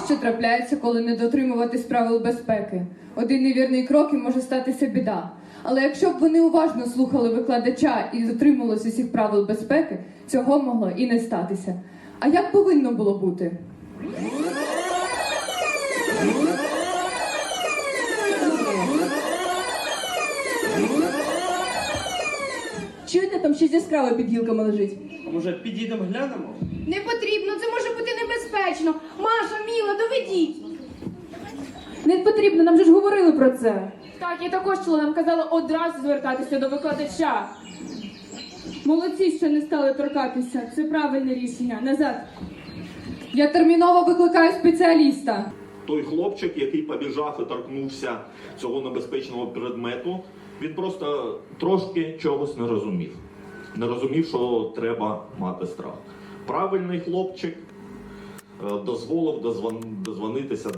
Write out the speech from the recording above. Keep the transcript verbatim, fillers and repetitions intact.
що трапляється, коли не дотримуватись правил безпеки. Один невірний крок і може статися біда. Але якщо б вони уважно слухали викладача і дотримувалися усіх правил безпеки, цього могло і не статися. А як повинно було бути? Чуєте, там щось яскраве під гілками лежить? А може підійдемо глянемо? Не потрібно, це може бути небезпечно. Маша, Міла, доведіть. Не потрібно, нам же ж говорили про це. Так, я також чула, нам казали одразу звертатися до викладача. Молодці, що не стали торкатися. Це правильне рішення. Назад. Я терміново викликаю спеціаліста. Той хлопчик, який побіжав і торкнувся цього небезпечного предмету, він просто трошки чогось не розумів. Не розумів, що треба мати страх. Правильний хлопчик е, дозволив дозвон- дозвонитися